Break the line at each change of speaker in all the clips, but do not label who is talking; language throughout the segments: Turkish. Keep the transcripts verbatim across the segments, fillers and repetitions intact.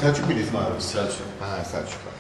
Selçuk muydu ismi abi?
Selçuk.
Ha Selçuk var.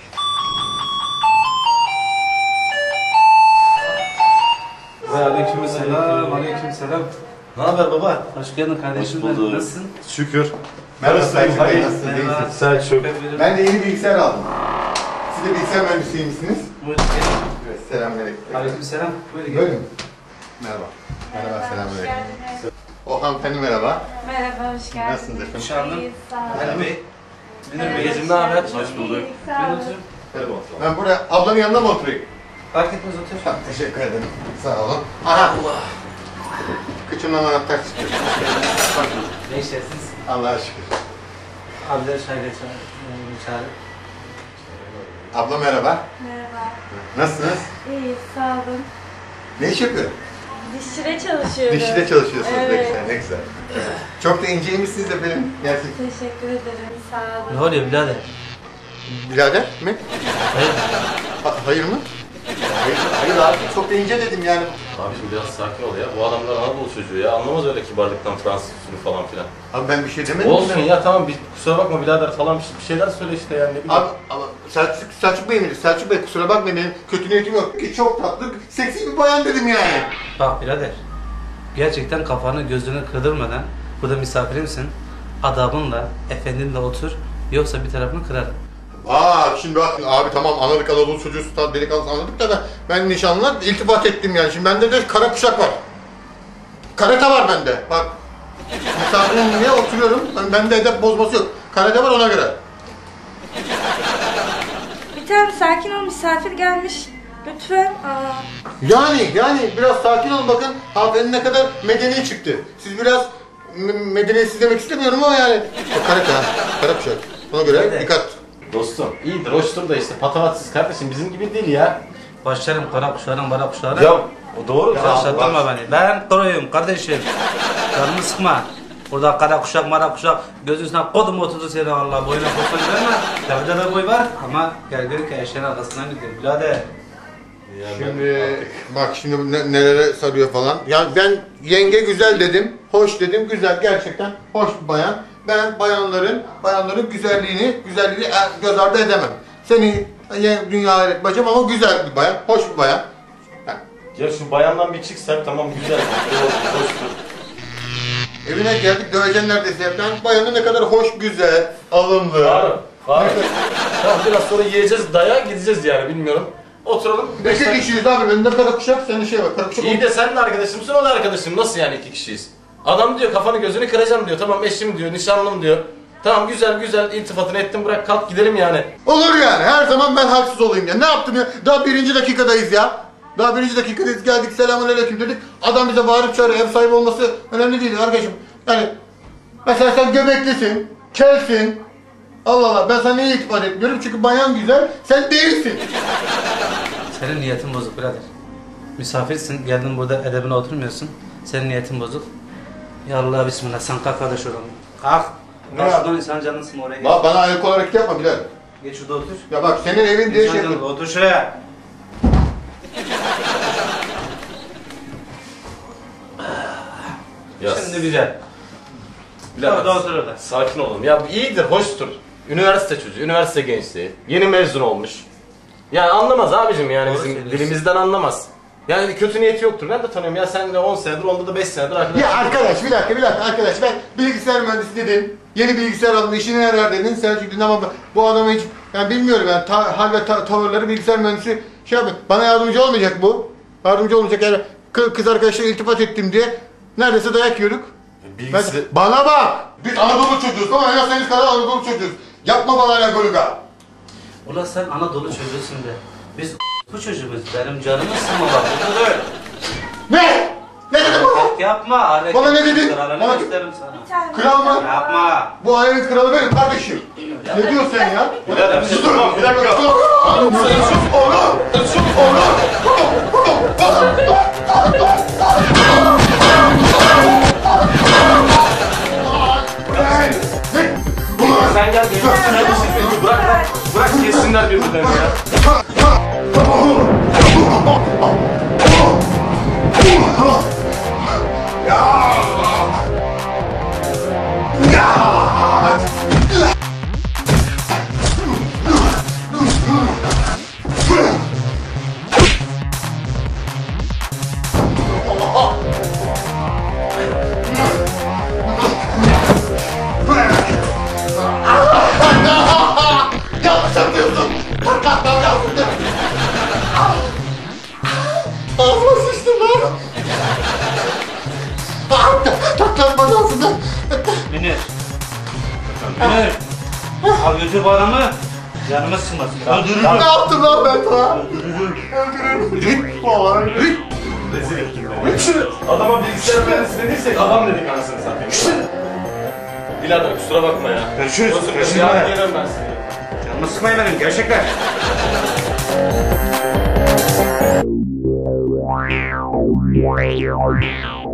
Ve aleykümselam, aleykümselam.
Ne haber baba?
Hoş geldin kardeşim.
Hoş bulduk.
Nasılsın?
Şükür.
Merhaba
Nasılsın?
Selçuk Bey,
Hayır.
nasılsınız?
Merhaba.
İyisiniz?
Selçuk.
Ben de yeni bilgisayar aldım. Siz de bilgisayar mühendisiymişsiniz.
Buyurun gelin.
Evet, selamünaleyküm.
Aleykümselam. Buyurun gelin.
Buyurun. Merhaba. Merhaba, selamünaleyküm. O hanımefendi merhaba.
Merhaba, hoş geldiniz.
Nasılsınız efendim?
Hoş geldin.
İyi, sağ olun.
Ali Bey. Münir
Evet,
Beyciğim ne haber?
Hoş bulduk.
İyi,
Ben
sağ olun.
oturayım.
Telefon.
Ben buraya ablanın yanına mı oturayım?
Fark etmez otur.
Tamam, teşekkür ederim. Sağ olun. Aha! Allah! Kıçımdan anahtar çıkıyor.
Ne işlersiniz?
Allah'a şükür.
Abiler çayla çağırın.
Abla merhaba.
Merhaba.
Nasılsınız?
İyi, sağ olun.
Ne iş yapıyor?
Dişçide çalışıyorum.
Dişçide çalışıyorsunuz. Ne
Evet.
güzel, ne güzel. Çok da inceymişsiniz de benim gerçekten.
Teşekkür ederim, sağ olun.
Ne oluyor birader?
Birader mi?
Hayır.
Ha, hayır mı? Hayır, hayır abi çok da ince dedim yani.
Abi şimdi biraz sakin ol ya. Bu adamlar Anadolu çocuğu ya. Anlamaz öyle kibarlıktan Fransız usulü falan filan.
Abi ben bir şey demedim.
Olsun ya tamam bir kusura bakma birader falan bir şeyler söyle işte yani ne bileyim.
Abi ama Selçuk, Selçuk Bey miydi? Selçuk Bey kusura bakmayın benim kötü niyetim yok ki çok tatlı, seksi bir bayan dedim yani.
Bak birader. Gerçekten kafanı gözünü kırdırmadan burada misafirimsin. Adabınla, efendinle otur. Yoksa bir tarafını kırarım.
Aa şimdi bak abi tamam anladık Anadolu çocuğu sultan delikanlısı anladık da ben, ben nişanlılar iltifat ettim yani. Şimdi bende de kara kuşak var. Karate var bende bak. Misafirim diye oturuyorum. Ben, bende edep bozması yok. Karate var ona göre.
Bir tane sakin ol, misafir gelmiş. Lütfen. Aa.
Yani yani biraz sakin olun bakın hanımefendi ne kadar medeni çıktı. Siz biraz medeniyetsiz demek istemiyorum ama yani. Bak karate ha. Kara kuşak. Ona göre
Evet.
dikkat.
Dostum iyidir hoştur da işte patavatsız kardeşim bizim gibi değil ya.
Başlarım kara kuşlarım, bara kuşlarım.
Ya o doğru.
Ya,
Şaşırtma beni. Ben koruyum kardeşim. Canımı sıkma. Burada kara kuşak, mara kuşak, gözün üstüne kodum oturdu seni Allah. Boyuna koşma güvenme. Tabii de boy var ama gel gör ki eşeğin arkasından gidiyor. Birader.
Ya ben
Şimdi
artık-
bak şimdi ne- nelere sarıyor falan. Ya ben yenge güzel dedim, hoş dedim, güzel gerçekten hoş bir bayan. Ben bayanların bayanların güzelliğini güzelliğini e, göz ardı edemem. Seni e, dünya hayret bacım ama güzel bir bayan, hoş bir bayan. Ha,
Ya şu bayandan bir çıksak tamam güzel. Doğru, hoştur.
evine geldik döveceksin neredeyse. Ben bayanı ne kadar hoş, güzel, alımlı.
Faruk. Faruk. Tamam biraz sonra yiyeceğiz dayağa gideceğiz yani bilmiyorum. Oturalım. beş
İki
dakika-
kişiyiz abi. Bende kara kuşak, senin şey var. Kara kuşak.
İyi de sen de arkadaşımsın o da arkadaşım. Nasıl yani iki kişiyiz? Adam diyor kafanı gözünü kıracağım diyor. Tamam eşim diyor, nişanlım diyor. Tamam güzel güzel iltifatını ettim bırak kalk gidelim yani.
Olur yani. Her zaman ben haksız olayım ya. Ne yaptım ya? Daha birinci dakikadayız ya. Daha birinci dakikadayız. Geldik selamünaleyküm dedik. Adam bize bağırıp çağırıyor. Ev sahibi olması önemli değil arkadaşım. Yani mesela sen göbeklisin, kelsin. Allah Allah ben sana niye itibar etmiyorum? Çünkü bayan güzel, sen değilsin.
Senin niyetin bozuk birader. Misafirsin, geldin burada edebine oturmuyorsun. Senin niyetin bozuk. Ya Allah bismillah sen kalk kardeş oradan. Kalk.
Ne
Kalk
yap-
şuradan insan canını sıkma oraya geç.
Bak bana ayak olarak yapma Bilal.
Geç şurada otur.
Ya bak senin evin diye
İnsan
şey
canını
yapıyorum.
otur şuraya.
Ya
Şimdi güzel.
Birader,
Orada otur orada.
sakin olun. Ya bu iyidir, hoştur. Üniversite çocuğu, üniversite gençliği. Yeni mezun olmuş. Yani anlamaz abicim yani
Doğru
bizim
söylüyorsun.
dilimizden anlamaz. Yani kötü niyeti yoktur. Ben de tanıyorum ya sen de on senedir, onda da beş senedir arkadaş.
Ya arkadaş bir dakika bir dakika arkadaş ben bilgisayar mühendisi dedim. Yeni bilgisayar aldım işine yarar dedin. Selçuk dedin ama bu adamı hiç yani bilmiyorum yani ta, hal ve ta, tavırları bilgisayar mühendisi şey yapıyor. Bana yardımcı olmayacak bu. Yardımcı olmayacak yani kız, kız arkadaşla iltifat ettim diye neredeyse dayak yiyorduk. Ben,
Bilgisi...
bana bak! Biz Anadolu çocuğuz ama en az senin kadar Anadolu çocuğuz. Yapma bana la goluga.
Ulan sen Anadolu çocuğusun de. Biz bu çocuğumuz. Benim canımı sıkma bak. Bu da öyle.
Ne? Ne dedin bana?
Hareket yapma. Hareket
Bana ne dedin?
kralını
Bana-
gösteririm sana.
Bir tane.
Kral mı?
Yapma.
Bu alemin kralı benim kardeşim. Ne diyorsun sen ya?
Birader,
Sus,
tamam, bir dakika.
sus, sus, oğlum! Sus, oğlum!
Sen gel benim üstüne bir şey söyle. Bırak bırak. Bırak kessinler birbirlerini ya.
Evet. Al götür bu adamı. Canımız sıkmasın. Öldürürüm.
Ne yaptım lan ben sana? Öldürürüm. Git falan. Git.
Rezil ettin beni. Adama bilgisayar mühendisi dediysek adam dedik anasını satayım. Birader kusura bakma ya.
Görüşürüz.
Özür dilerim.
Görüşürüz.
Yarın gelirim ben seni.
Canımı sıkmayın benim gerçekten.
Wow.